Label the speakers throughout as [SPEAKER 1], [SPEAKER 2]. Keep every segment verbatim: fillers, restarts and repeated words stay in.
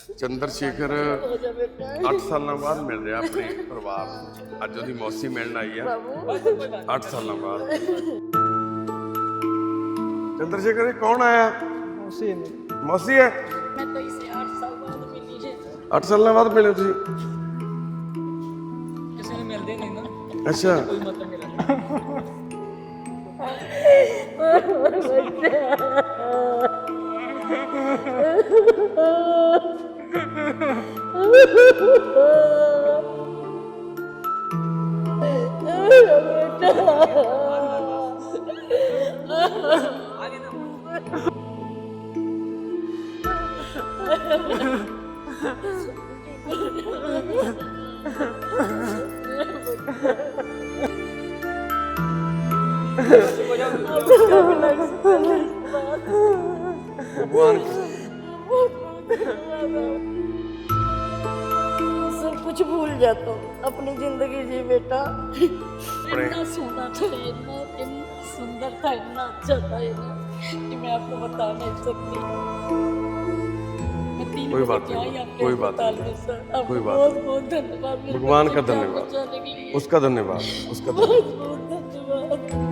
[SPEAKER 1] ਚੰਦਰ ਸ਼ੇਖਰ ਅੱਠ ਸਾਲਾਂ ਬਾਅਦ ਮਿਲ ਰਿਹਾ ਆਪਣੇ ਪਰਿਵਾਰ ਨੂੰ। ਅੱਜ ਉਹਦੀ ਮੌਸੀ ਮਿਲਣ ਆਈ ਆ ਅੱਠ ਸਾਲਾਂ ਬਾਅਦ। ਚੰਦਰ ਸ਼ੇਖਰ ਕੌਣ ਆਇਆ?
[SPEAKER 2] मौसी है मेरी।
[SPEAKER 1] मौसी है?
[SPEAKER 3] मैं तो इसे आठ साल बाद मिली है।
[SPEAKER 1] आठ साल बाद मिले तुसी?
[SPEAKER 2] किसी ने मिलते नहीं ना।
[SPEAKER 1] अच्छा।
[SPEAKER 2] कोई मतलब नहीं रखता।
[SPEAKER 1] भगवान
[SPEAKER 3] सब कुछ भूल जाता हूँ अपनी जिंदगी जी बेटा। इतना सोना था, इतना इतना सुंदर था, इतना अच्छा था इतना कि मैं आपको बता नहीं सकती। मैं तीन
[SPEAKER 1] कोई
[SPEAKER 3] बजे
[SPEAKER 1] बात
[SPEAKER 3] क्या
[SPEAKER 1] नहीं,
[SPEAKER 3] ही आपके
[SPEAKER 1] कोई बात
[SPEAKER 3] अस्पताल
[SPEAKER 1] नहीं,
[SPEAKER 3] में सर। आपको
[SPEAKER 1] कोई बात
[SPEAKER 3] बहुत
[SPEAKER 1] नहीं।
[SPEAKER 3] बहुत धन्यवाद मेरे
[SPEAKER 1] भगवान का
[SPEAKER 3] बच्चे जान
[SPEAKER 1] धन्यवाद।
[SPEAKER 3] बचाने के लिए।
[SPEAKER 1] उसका धन्यवाद, उसका
[SPEAKER 3] बहुत
[SPEAKER 1] धन्यवाद।
[SPEAKER 3] बहुत धन्यवाद।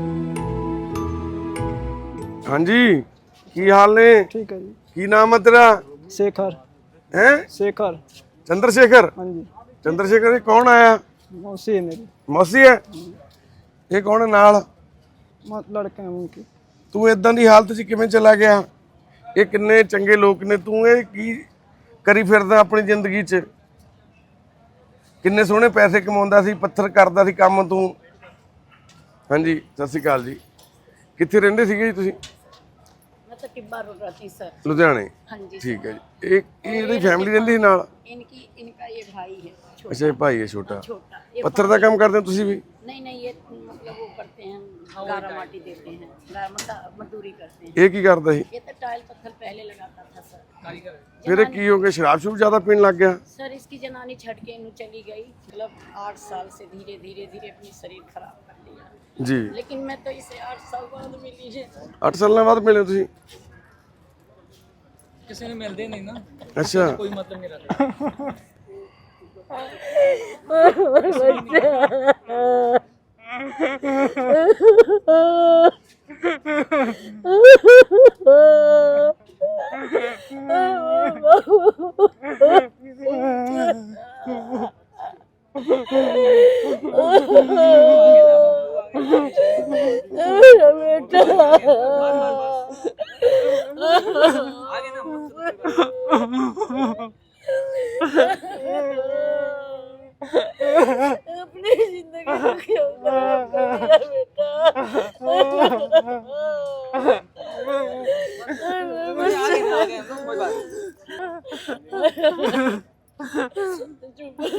[SPEAKER 1] हाँ जी, की हाल ने?
[SPEAKER 2] ठीक है जी।
[SPEAKER 1] की नाम है तेरा?
[SPEAKER 2] शेखर।
[SPEAKER 1] हैं?
[SPEAKER 2] शेखर।
[SPEAKER 1] चंद्रशेखर?
[SPEAKER 2] हाँ जी।
[SPEAKER 1] चंद्रशेखर ये कौन आया?
[SPEAKER 2] मौसी है मेरी।
[SPEAKER 1] मौसी है? ये कौन है नाल?
[SPEAKER 2] मत लड़के हैं उनकी।
[SPEAKER 1] ਤੂੰ ਇਦਾਂ ਦੀ ਹਾਲਤ 'ਚ ਕਿਵੇਂ ਚਲਾ ਗਿਆ? ਇਹ ਕਿੰਨੇ ਚੰਗੇ ਲੋਕ ਨੇ, ਤੂੰ ਇਹ ਕੀ ਕਰੀ ਫਿਰਦਾ ਆਪਣੀ ਜ਼ਿੰਦਗੀ 'ਚ? ਕਿੰਨੇ ਸੋਹਣੇ ਪੈਸੇ ਕਮਾਉਂਦਾ ਸੀ, ਪੱਥਰ ਕਰਦਾ ਸੀ ਕੰਮ ਤੂੰ। ਹਾਂਜੀ, ਸਤਿ ਸ਼੍ਰੀ ਅਕਾਲ ਜੀ। ਕਿੱਥੇ ਰਹਿੰਦੇ ਸੀਗੇ ਜੀ ਤੁਸੀਂ?
[SPEAKER 3] मैं तो टिब्बा रोड रहती सर।
[SPEAKER 1] ਲੁਧਿਆਣੇ?
[SPEAKER 3] हाँ जी।
[SPEAKER 1] ਠੀਕ ਹੈ ਜੀ। ਇਹ ਇਹ ਇਹਦੀ ਫੈਮਿਲੀ ਰਹਿੰਦੀ ਸੀ ਨਾਲ?
[SPEAKER 3] इनकी इनका ये भाई है छोटा।
[SPEAKER 1] ਅੱਛਾ, ਇਹ ਭਾਈ ਹੈ ਛੋਟਾ।
[SPEAKER 3] छोटा ये
[SPEAKER 1] ਪੱਥਰ ਦਾ ਕੰਮ ਕਰਦੇ ਹੋ ਤੁਸੀਂ ਵੀ?
[SPEAKER 3] नहीं नहीं ये मतलब वो करते हैं, गारा माटी देते हैं, गारा मता मजदूरी करते हैं।
[SPEAKER 1] ਇਹ ਕੀ ਕਰਦਾ ਸੀ?
[SPEAKER 3] ये तो टाइल पत्थर पहले लगाता था सर।
[SPEAKER 1] ਫਿਰ ਇਹ ਕੀ ਹੋ ਗਿਆ, ਸ਼ਰਾਬ ਸ਼ੂਬ ਜ਼ਿਆਦਾ ਪੀਣ ਲੱਗ ਗਿਆ?
[SPEAKER 3] सर इसकी जनानी छट के इन्हू चली गई, मतलब आठ साल से धीरे धीरे धीरे अपनी शरीर खराब कर लिया।
[SPEAKER 1] ਜੀ।
[SPEAKER 3] लेकिन मैं तो इसे आठ साल बाद मिली है।
[SPEAKER 1] ਅੱਠ ਸਾਲਾਂ ਬਾਅਦ ਮਿਲੇ ਤੁਸੀਂ?
[SPEAKER 2] किसी ने मिलते नहीं ना।
[SPEAKER 1] ਅੱਛਾ।
[SPEAKER 2] कोई मतलब नहीं रखता।
[SPEAKER 3] अपनी जिंदगी को क्यों खराब कर दिया बेटा? चुप हो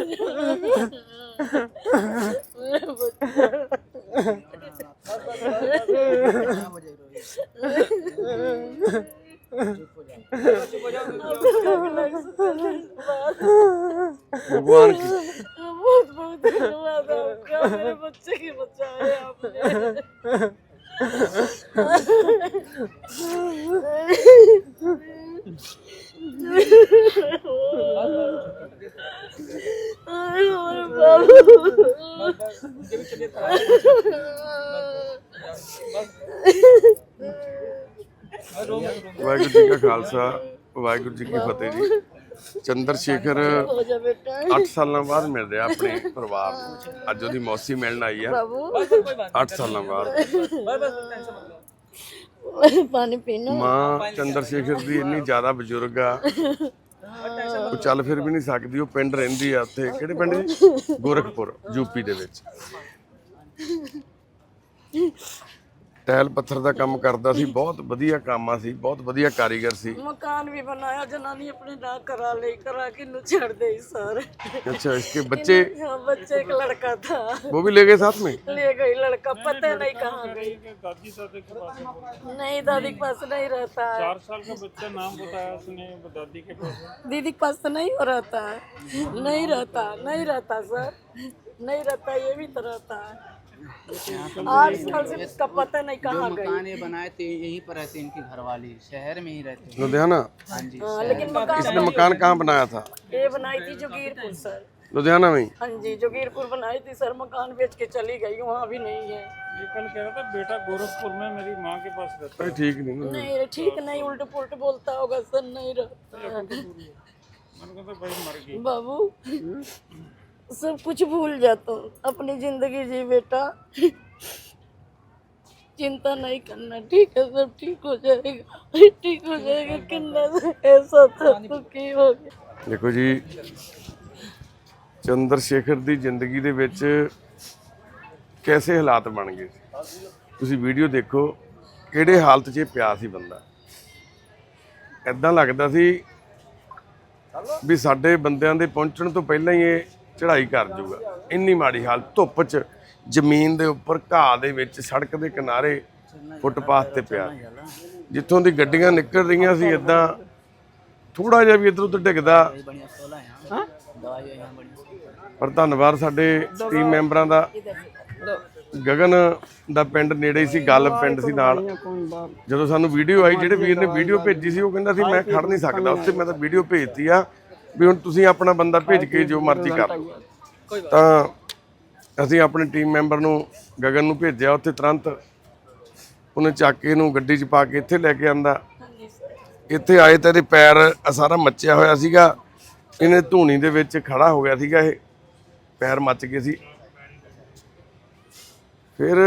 [SPEAKER 1] भगवान की
[SPEAKER 3] बहुत बहुत धन्यवाद आपका, मेरे बच्चे की बचाए आपने।
[SPEAKER 1] ਵਾਹਿਗੁਰੂ ਜੀ ਕਾ ਖਾਲਸਾ, ਵਾਹਿਗੁਰੂ ਜੀ ਕੀ ਫਤਿਹ ਜੀ। ਚੰਦਰ ਸ਼ੇਖਰ
[SPEAKER 3] हो जा बेटा।
[SPEAKER 1] ਅੱਠ ਸਾਲਾਂ ਬਾਅਦ ਮਿਲ ਰਿਹਾ ਆਪਣੇ ਪਰਿਵਾਰ ਨੂੰ। ਅੱਜ ਉਹਦੀ ਮੌਸੀ ਮਿਲਣ ਆਈ ਆ ਅੱਠ ਸਾਲਾਂ ਬਾਅਦ।
[SPEAKER 3] पानी पीना।
[SPEAKER 1] ਮਾਂ ਚੰਦਰ ਸ਼ੇਖਰ ਦੀ ਇੰਨੀ ਜ਼ਿਆਦਾ ਬਜ਼ੁਰਗ ਆ, ਉਹ ਚੱਲ ਫਿਰ ਵੀ ਨਹੀਂ ਸਕਦੀ। ਉਹ ਪਿੰਡ ਰਹਿੰਦੀ ਆ ਉੱਥੇ, ਕਿਹੜੇ ਪਿੰਡ ਜੀ? ਗੋਰਖਪੁਰ, ਯੂਪੀ ਦੇ ਵਿੱਚ। ਟੈਲ ਪੱਥਰ ਦਾ ਕੰਮ ਕਰਦਾ ਸੀ, ਬਹੁਤ ਵਧੀਆ ਕਾਮਾ ਸੀ, ਬਹੁਤ ਵਧੀਆ ਕਾਰੀਗਰ ਸੀ।
[SPEAKER 3] मकान भी बनाया, जनानी अपने ना करा ले करा के नु छड़ दे सर।
[SPEAKER 1] अच्छा, इसके बच्चे?
[SPEAKER 3] हाँ, बच्चे एक लड़का था,
[SPEAKER 1] वो भी ले गए साथ में?
[SPEAKER 3] ले गई लड़का, पता नहीं कहाँ गई।
[SPEAKER 4] दादी दादी के पास है।
[SPEAKER 3] नहीं, दादी के पास नहीं रहता है।
[SPEAKER 4] चार साल का बच्चा नाम बताया उसने, दादी के पास है।
[SPEAKER 3] दीदी के पास तो नहीं हो रहता है, नहीं रहता, नहीं रहता सर, नहीं रहता, ये भी तो रहता है। आठ साल से उसका पता नहीं कहाँ गई।
[SPEAKER 5] मकान ये बनाए थे यहीं पर रहते इनकी घरवाली, शहर में ही रहते हैं।
[SPEAKER 1] लुधियाना।
[SPEAKER 5] हाँ जी।
[SPEAKER 3] हाँ, लेकिन मकान
[SPEAKER 1] इसने मकान कहाँ बनाया था?
[SPEAKER 3] ये बनाई थी जोगीरपुर सर।
[SPEAKER 1] लुधियाना में ही?
[SPEAKER 3] हाँ जी, जोगीरपुर बनाई थी सर, मकान बेच के चली गई, वहाँ भी नहीं है।
[SPEAKER 4] ये कल कह रहा था बेटा गोरखपुर में मेरी माँ के पास रहता
[SPEAKER 1] भाई ठीक नहीं ना।
[SPEAKER 3] नहीं ठीक नहीं, उल्ट पुल्ट बोलता होगा सर, नहीं रहता है।
[SPEAKER 4] है। मैंने कहा भाई मर गई।
[SPEAKER 3] बाबू सब कुछ भूल जाता हूँ, अपनी जिंदगी जी बेटा, चिंता नहीं करना, ठीक है, सब ठीक हो जाएगा, ठीक हो जाएगा। किन्ना ऐसा था तो की हो गया।
[SPEAKER 1] ਦੇਖੋ ਜੀ ਚੰਦਰ ਸ਼ੇਖਰ ਦੀ ਜ਼ਿੰਦਗੀ ਦੇ ਵਿੱਚ ਕੈਸੇ ਹਾਲਾਤ ਬਣ ਗਏ ਸੀ, ਤੁਸੀਂ ਵੀਡੀਓ ਦੇਖੋ ਕਿਹੜੇ ਹਾਲਤ 'ਚ ਇਹ ਪਿਆ ਸੀ ਬੰਦਾ। ਐਦਾਂ ਲੱਗਦਾ ਸੀ ਵੀ ਸਾਡੇ ਬੰਦਿਆਂ ਦੇ ਪਹੁੰਚਣ ਤੋਂ ਪਹਿਲਾਂ ਹੀ ਇਹ ਚੜ੍ਹਾਈ ਕਰ ਜਾਊਗਾ, ਇੰਨੀ ਮਾੜੀ ਹਾਲਤ। ਧੁੱਪ 'ਚ ਜ਼ਮੀਨ ਦੇ ਉੱਪਰ ਘਾਹ ਦੇ ਵਿੱਚ ਸੜਕ ਦੇ ਕਿਨਾਰੇ ਫੁੱਟਪਾਥ ਤੇ ਪਿਆ, ਜਿੱਥੋਂ ਦੀ ਗੱਡੀਆਂ ਨਿਕਲ ਰਹੀਆਂ ਸੀ ਇਦਾਂ ਥੋੜਾ ਜਿਹਾ ਵੀ ਇੱਧਰ ਉੱਧਰ ਡਿੱਗਦਾ।
[SPEAKER 5] बढ़िया सोलह यहाँ दवाई यहाँ बढ़िया।
[SPEAKER 1] ਪਰ ਧੰਨਵਾਦ ਸਾਡੇ ਟੀਮ ਮੈਂਬਰਾਂ ਦਾ। ਗਗਨ ਦਾ ਪਿੰਡ ਨੇੜੇ ਹੀ ਸੀ, ਗੱਲ ਪਿੰਡ ਸੀ ਨਾਲ। ਜਦੋਂ ਸਾਨੂੰ ਵੀਡੀਓ ਆਈ, ਜਿਹੜੇ ਵੀਰ ਨੇ ਵੀਡੀਓ ਭੇਜੀ ਸੀ ਉਹ ਕਹਿੰਦਾ ਸੀ ਮੈਂ ਖੜ ਨਹੀਂ ਸਕਦਾ ਉੱਥੇ, ਮੈਂ ਤਾਂ ਵੀਡੀਓ ਭੇਜਤੀ ਆ ਵੀ ਹੁਣ ਤੁਸੀਂ ਆਪਣਾ ਬੰਦਾ ਭੇਜ ਕੇ ਜੋ ਮਰਜ਼ੀ ਕਰ ਲਓ। ਤਾਂ ਅਸੀਂ ਆਪਣੇ ਟੀਮ ਮੈਂਬਰ ਨੂੰ ਗਗਨ ਨੂੰ ਭੇਜਿਆ ਉੱਥੇ, ਤੁਰੰਤ ਉਹਨੇ ਚੱਕ ਕੇ ਇਹਨੂੰ ਗੱਡੀ 'ਚ ਪਾ ਕੇ ਇੱਥੇ ਲੈ ਕੇ ਆਂਦਾ। ਇੱਥੇ ਆਏ ਤਾਂ ਇਹਦੇ ਪੈਰ ਸਾਰਾ ਮੱਚਿਆ ਹੋਇਆ ਸੀਗਾ, ਇਹਨੇ ਧੂਣੀ ਦੇ ਵਿੱਚ ਖੜਾ ਹੋ ਗਿਆ ਸੀਗਾ, ਇਹ ਪੈਰ ਮੱਚ ਗਏ ਸੀ। ਫਿਰ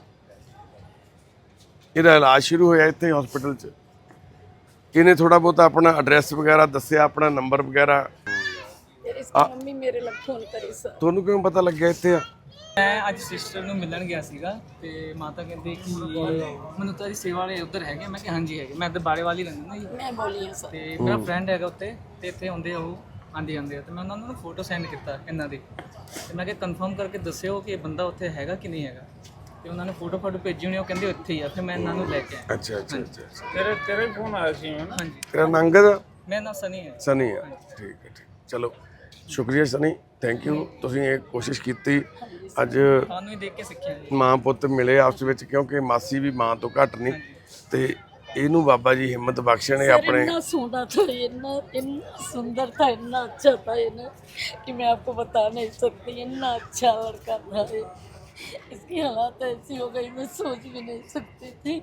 [SPEAKER 1] ਇਹਦਾ ਇਲਾਜ ਸ਼ੁਰੂ ਹੋਇਆ ਇੱਥੇ ਹਸਪੀਟਲ 'ਚ। ਇਹਨੇ ਥੋੜਾ ਬਹੁਤ ਆਪਣਾ ਐਡਰੈਸ ਵਗੈਰਾ ਦੱਸਿਆ, ਆਪਣਾ ਨੰਬਰ ਵਗੈਰਾ।
[SPEAKER 3] इसकी मम्मी मेरे लग फोन करी सर।
[SPEAKER 1] ਤੁਹਾਨੂੰ ਕਿਵੇਂ ਪਤਾ ਲੱਗਿਆ ਇੱਥੇ ਆ?
[SPEAKER 2] ਮੈਂ ਅੱਜ ਸਿਸਟਰ ਨੂੰ ਮਿਲਣ ਗਿਆ ਸੀਗਾ ਤੇ ਮਾਤਾ ਕਹਿੰਦੇ ਕਿ ਮੈਨੂੰ ਤਾਂ ਜੀ ਸੇਵਾ ਵਾਲੇ ਉੱਧਰ ਹੈਗੇ, ਮੈਂ ਕਿਹਾ ਹਾਂਜੀ ਹੈਗੇ, ਮੈਂ ਇੱਧਰ ਬਾੜੇ ਵਾਲੀ ਰਹਿੰਦਾ ਨਾ ਜੀ।
[SPEAKER 3] मैं बोली है सर।
[SPEAKER 2] ਤੇ ਮੇਰਾ ਫਰੈਂਡ ਹੈਗਾ ਉੱਤੇ ਤੇ ਇੱਥੇ ਆਉਂਦੇ ਆ ਉਹ, ਆਂਦੇ ਆਂਦੇ ਆ ਤੇ ਮੈਂ ਉਹਨਾਂ ਨੂੰ ਫੋਟੋ ਸੈਂਡ ਕੀਤਾ ਇਹਨਾਂ ਦੀ, ਤੇ ਮੈਂ ਕਿਹਾ ਕਨਫਰਮ ਕਰਕੇ ਦੱਸਿਓ ਕਿ ਇਹ ਬੰਦਾ ਉੱਥੇ ਹੈਗਾ ਕਿ ਨਹੀਂ ਹੈਗਾ। ਤੇ ਉਹਨਾਂ ਨੇ ਫੋਟੋ ਫੋਟੋ ਭੇਜੀ ਹੋਣੀ, ਉਹ ਕਹਿੰਦੇ ਉੱਥੇ ਹੀ ਆ। ਫਿਰ ਮੈਂ ਇਹਨਾਂ ਨੂੰ ਲੈ ਕੇ ਆਇਆ।
[SPEAKER 1] ਅੱਛਾ ਅੱਛਾ ਅੱਛਾ।
[SPEAKER 4] तेरे तेरे फोन आया सी है ना।
[SPEAKER 2] ਹਾਂਜੀ,
[SPEAKER 1] ਤੇਰਾ ਨਾਂ ਅੰਗਦ?
[SPEAKER 2] ਮੇਰਾ ਨਾਮ ਸਨੀ ਹੈ।
[SPEAKER 1] ਸਨੀ ਆ, ਠੀਕ ਹੈ ਠੀਕ। ਚਲੋ ਸ਼ੁਕਰੀਆ ਸਨੀ, ਥੈਂਕ ਯੂ। ਤੁਸੀਂ ਇਹ ਕੋਸ਼ਿਸ਼ ਕੀਤੀ, ਅੱਜ
[SPEAKER 2] ਤੁਹਾਨੂੰ ਹੀ ਦੇਖ ਕੇ ਸਿੱਖਿਆ ਜੀ।
[SPEAKER 1] ਮਾਂ ਪੁੱਤ ਮਿਲੇ ਆਪਸ ਵਿੱਚ, ਕਿਉਂਕਿ ਮਾਸੀ ਵੀ ਮਾਂ ਤੋਂ ਘੱਟ ਨਹੀਂ। ਤੇ ਇਹਨੂੰ ਬਾਬਾ ਜੀ ਹਿੰਮਤ ਬਖਸ਼ਣ ਇਹ ਆਪਣੇ।
[SPEAKER 3] इतना सोना था, इतना इतना सुंदर था, इतना अच्छा था ये ना कि मैं आपको बता नहीं सकती। इतना अच्छा लड़का था ये, इसकी हालत ऐसी हो गई मैं सोच भी नहीं सकती थी।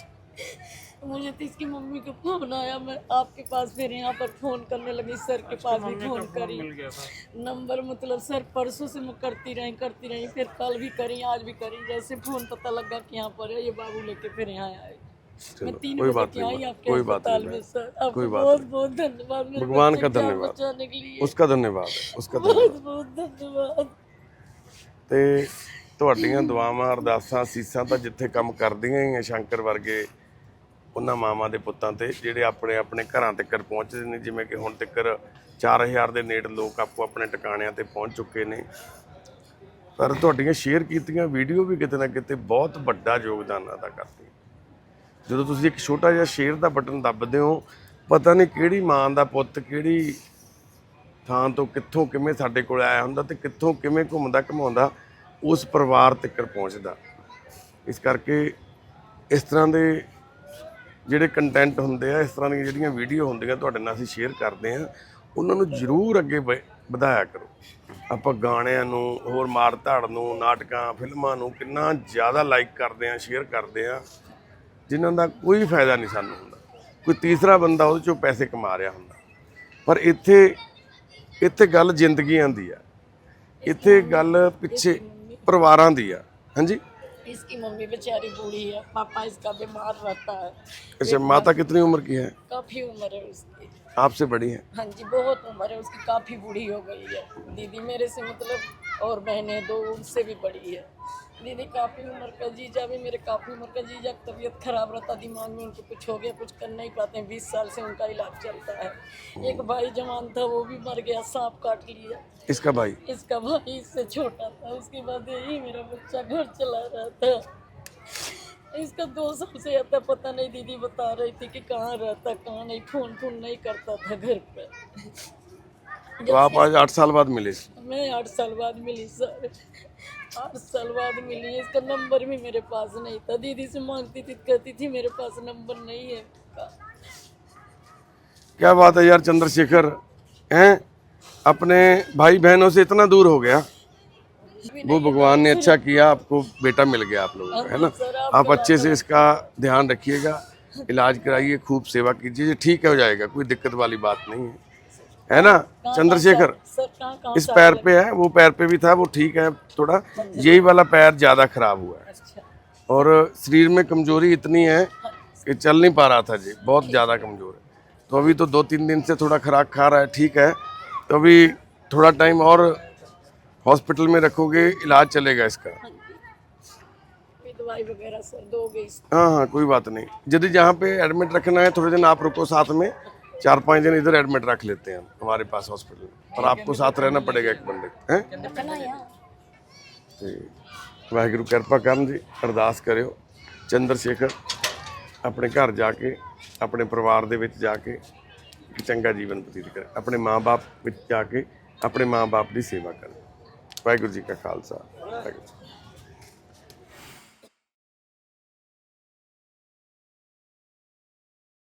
[SPEAKER 3] मुझे तो इसकी मम्मी का फोन आया, मैं आपके पास फिर यहाँ पर फ़ोन करने लगी, सर के पास भी फ़ोन करी। नंबर मतलब सर परसों से मैं करती रही करती रही फिर कल भी करी, आज भी करी। जैसे फ़ोन पता लगा कि यहाँ पर है, ये बाबू लेके फिर यहाँ आए। मैं तीन
[SPEAKER 1] कोई
[SPEAKER 3] बजे
[SPEAKER 1] बात
[SPEAKER 3] के
[SPEAKER 1] नहीं,
[SPEAKER 3] आई आपके
[SPEAKER 1] कोई बात
[SPEAKER 3] अस्पताल
[SPEAKER 1] नहीं,
[SPEAKER 3] में सर।
[SPEAKER 1] कोई
[SPEAKER 3] आपको
[SPEAKER 1] बात
[SPEAKER 3] बहुत बहुत धन्यवाद, मेरे
[SPEAKER 1] भगवान
[SPEAKER 3] बच्चे
[SPEAKER 1] का
[SPEAKER 3] की जान
[SPEAKER 1] धन्यवाद,
[SPEAKER 3] बचाने के लिए
[SPEAKER 1] उसका धन्यवाद है, उसका धन्यवाद।
[SPEAKER 3] बहुत बहुत धन्यवाद।
[SPEAKER 1] ਤੇ ਤੁਹਾਡੀਆਂ ਦੁਆਵਾਂ ਅਰਦਾਸਾਂ ਸੀਸਾਂ ਤਾਂ ਜਿੱਥੇ ਕੰਮ ਕਰਦੀਆਂ ਹੀ ਆ ਸ਼ੰਕਰ ਵਰਗੇ ਉਹਨਾਂ ਮਾਵਾਂ ਦੇ ਪੁੱਤਾਂ ਤੇ, ਜਿਹੜੇ ਆਪਣੇ ਆਪਣੇ ਘਰਾਂ ਤੱਕ ਪਹੁੰਚਦੇ ਨੇ। ਜਿਵੇਂ ਕਿ ਹੁਣ ਤੱਕ ਚਾਰ ਹਜ਼ਾਰ ਦੇ ਨੇੜੇ ਲੋਕ ਆਪੋ ਆਪਣੇ ਟਿਕਾਣਿਆਂ ਤੇ ਪਹੁੰਚ ਚੁੱਕੇ ਨੇ। ਪਰ ਤੁਹਾਡੀਆਂ ਸ਼ੇਅਰ ਕੀਤੀਆਂ ਵੀਡੀਓ ਵੀ ਕਿਤੇ ਨਾ ਕਿਤੇ ਬਹੁਤ ਵੱਡਾ ਯੋਗਦਾਨ ਅਦਾ ਕਰਦੀ। ਜਦੋਂ ਤੁਸੀਂ ਇੱਕ ਛੋਟਾ ਜਿਹਾ ਸ਼ੇਅਰ ਦਾ ਬਟਨ ਦੱਬਦੇ ਹੋ, ਪਤਾ ਨਹੀਂ ਕਿਹੜੀ ਮਾਂ ਦਾ ਪੁੱਤ ਕਿਹੜੀ ਥਾਂ ਤੋਂ ਕਿੱਥੋਂ ਕਿਵੇਂ ਸਾਡੇ ਕੋਲ ਆਇਆ ਹੁੰਦਾ ਤੇ ਕਿੱਥੋਂ ਕਿਵੇਂ ਘੁੰਮਦਾ ਘਮਾਉਂਦਾ ਉਸ ਪਰਿਵਾਰ ਤੱਕ ਪਹੁੰਚਦਾ। ਇਸ ਕਰਕੇ ਇਸ ਤਰ੍ਹਾਂ ਦੇ ਜਿਹੜੇ ਕੰਟੈਂਟ ਹੁੰਦੇ ਆ, ਇਸ ਤਰ੍ਹਾਂ ਦੀਆਂ ਜਿਹੜੀਆਂ ਵੀਡੀਓ ਹੁੰਦੀਆਂ ਤੁਹਾਡੇ ਨਾਲ ਅਸੀਂ ਸ਼ੇਅਰ ਕਰਦੇ ਆ, ਉਹਨਾਂ ਨੂੰ ਜ਼ਰੂਰ ਅੱਗੇ ਵ- ਵਧਾਇਆ ਕਰੋ। ਆਪਾਂ ਗਾਣਿਆਂ ਨੂੰ, ਹੋਰ ਮਾਰ ਧਾੜ ਨੂੰ, ਨਾਟਕਾਂ ਫਿਲਮਾਂ ਨੂੰ ਕਿੰਨਾ ਜ਼ਿਆਦਾ ਲਾਈਕ ਕਰਦੇ ਆ, ਸ਼ੇਅਰ ਕਰਦੇ ਆ, ਜਿਨ੍ਹਾਂ ਦਾ ਕੋਈ ਫਾਇਦਾ ਨਹੀਂ ਸਾਨੂੰ ਹੁੰਦਾ। ਕੋਈ ਤੀਸਰਾ ਬੰਦਾ ਉਹਦੇ 'ਚੋਂ ਪੈਸੇ ਕਮਾ ਰਿਹਾ ਹੁੰਦਾ। ਪਰ ਇੱਥੇ ਇੱਥੇ ਗੱਲ ਜ਼ਿੰਦਗੀਆਂ ਦੀ ਆ, ਇੱਥੇ ਗੱਲ ਪਿੱਛੇ ਪਰਿਵਾਰਾਂ ਦੀ ਆ। ਹਾਂਜੀ,
[SPEAKER 3] इसकी मम्मी बेचारी बूढ़ी है, पापा इसका बीमार रहता है।
[SPEAKER 1] अच्छा, माता कितनी उम्र की है?
[SPEAKER 3] काफ़ी उम्र है उसकी।
[SPEAKER 1] आपसे बड़ी है?
[SPEAKER 3] हाँ जी, बहुत उम्र है उसकी, काफ़ी बूढ़ी हो गई है। दीदी मेरे से मतलब, और बहनें दो उनसे भी बड़ी है। दीदी काफ़ी उम्र का, जीजा भी मेरे काफ़ी उम्र का। जीजा की तबीयत खराब रहता, दिमाग में उनको कुछ हो गया, कुछ कर नहीं पाते हैं। बीस साल से उनका इलाज चलता है। एक भाई जवान था, वो भी मर गया, सांप काट लिया।
[SPEAKER 1] इसका भाई?
[SPEAKER 3] इसका भाई इससे छोटा था। उसके बाद यही मेरा बच्चा घर चला रहा था। इसका दो साल से आता, पता नहीं, दीदी बता रही थी कि कहाँ रहता कहाँ नहीं, फ़ोन फोन नहीं करता था घर पर।
[SPEAKER 1] तो आप आज आठ साल बाद मिले?
[SPEAKER 3] मैं आठ साल बाद मिली सर। आठ साल बाद मिली है। इसका नंबर भी मेरे पास नहीं था। दीदी से मांगती थी, कहती थी मेरे पास नंबर नहीं है उसका।
[SPEAKER 1] क्या बात है यार चंद्रशेखर, हैं अपने भाई बहनों से इतना दूर हो गया। वो भगवान ने अच्छा किया, आपको बेटा मिल गया आप लोगों को, है ना। आप अच्छे से इसका ध्यान रखिएगा, इलाज कराइए, खूब सेवा कीजिए, ये ठीक हो जाएगा, कोई दिक्कत वाली बात नहीं है, है ना चंद्रशेखर।
[SPEAKER 3] सर कहाँ कहाँ
[SPEAKER 1] इस पैर पे है, वो पैर पे भी था, वो ठीक है थोड़ा, यही वाला पैर ज़्यादा खराब हुआ है
[SPEAKER 3] अच्छा
[SPEAKER 1] और शरीर में कमजोरी इतनी है कि चल नहीं पा रहा था जी, बहुत ज़्यादा कमज़ोर है। तो अभी तो दो तीन दिन से थोड़ा खुराक खा रहा है, ठीक है। तो अभी थोड़ा टाइम और हॉस्पिटल में रखोगे, इलाज चलेगा इसका।
[SPEAKER 3] कोई दवाई वगैरह सर दोगे?
[SPEAKER 1] हाँ हाँ कोई बात नहीं, यदि जहाँ पे एडमिट रखना है थोड़े दिन आप रुको, साथ में चार पाँच दिन इधर एडमिट रख लेते हैं हमारे पास हॉस्पिटल में, और आपको साथ रहना पड़ेगा एक बंदे हैं। ਤੇ ਵਾਹਿਗੁਰੂ ਕਿਰਪਾ ਕਰਨ ਜੀ, ਅਰਦਾਸ ਕਰਿਓ ਚੰਦਰਸ਼ੇਖਰ ਆਪਣੇ ਘਰ ਜਾ ਕੇ, ਆਪਣੇ ਪਰਿਵਾਰ ਦੇ ਵਿੱਚ ਜਾ ਕੇ ਇੱਕ ਚੰਗਾ ਜੀਵਨ ਬਤੀਤ ਕਰੇ, ਆਪਣੇ ਮਾਂ-ਬਾਪ ਵਿੱਚ ਜਾ ਕੇ ਆਪਣੇ ਮਾਂ-ਬਾਪ ਦੀ ਸੇਵਾ ਕਰੇ। ਵਾਹਿਗੁਰੂ ਜੀ ਕਾ ਖਾਲਸਾ, ਵਾਹਿਗੁਰੂ ਜੀ।